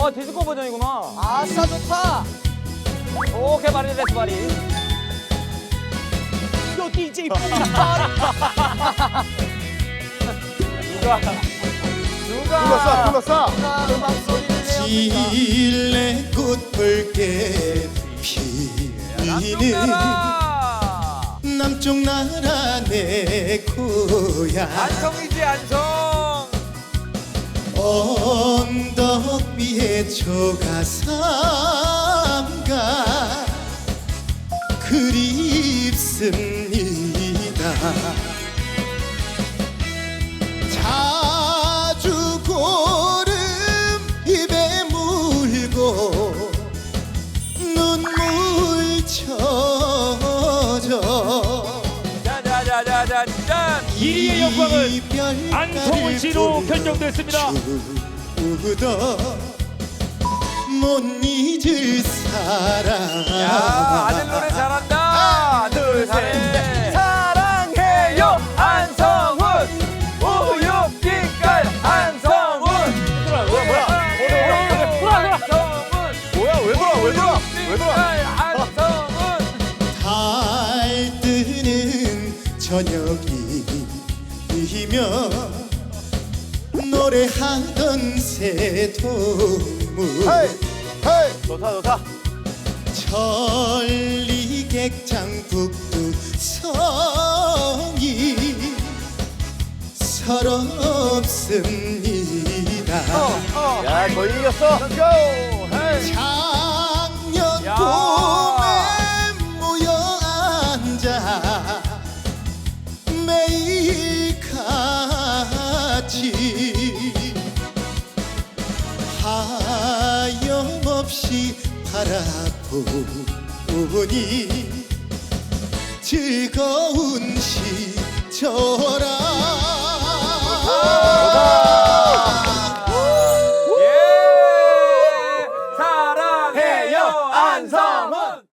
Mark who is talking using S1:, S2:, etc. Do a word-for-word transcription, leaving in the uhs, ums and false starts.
S1: 어, 디스코 버전이구나.
S2: 아싸 좋다.
S1: 오케이, 바리 데스 바리.
S2: 요 디제이
S1: 누가? 누가?
S3: 불렀어 불렀어.
S2: 음악 소리를 내옵니다.
S4: 질레꽃 붉게 피는
S1: 나라.
S4: 남쪽 나라 내 고향
S1: 안성이지, 안성.
S4: 언덕 위에 조가삼가 그립습니다. 자주 고름 입에 물고 눈물 젖어
S1: 자자자자자 짠.
S5: 이리의 영광은 안성훈 씨로 결정됐습니다.
S4: 주도 못 잊을 사람.
S1: 야, 아들 노래 잘한다. 둘, 셋. 사랑해요, 안성훈. 우유빛깔 안성훈.
S3: 뭐야 뭐야.
S1: 안성훈.
S3: 뭐야 왜 돌아 왜 돌아 왜 돌아.
S1: 안성훈.
S4: 달 뜨는 저녁이면 노래하던 새동물
S3: 헤이 헤이. 좋다 좋다.
S4: 천리객장 북두성이 서럽습니다.
S3: 야 거의 이겼어. Let's go. 헤이.
S4: 작년
S1: 야.
S4: 봄에 모여 앉아 매일 같이 하염없이 바라보니 즐거운 시절아.
S1: 예. 사랑해요, 안성훈.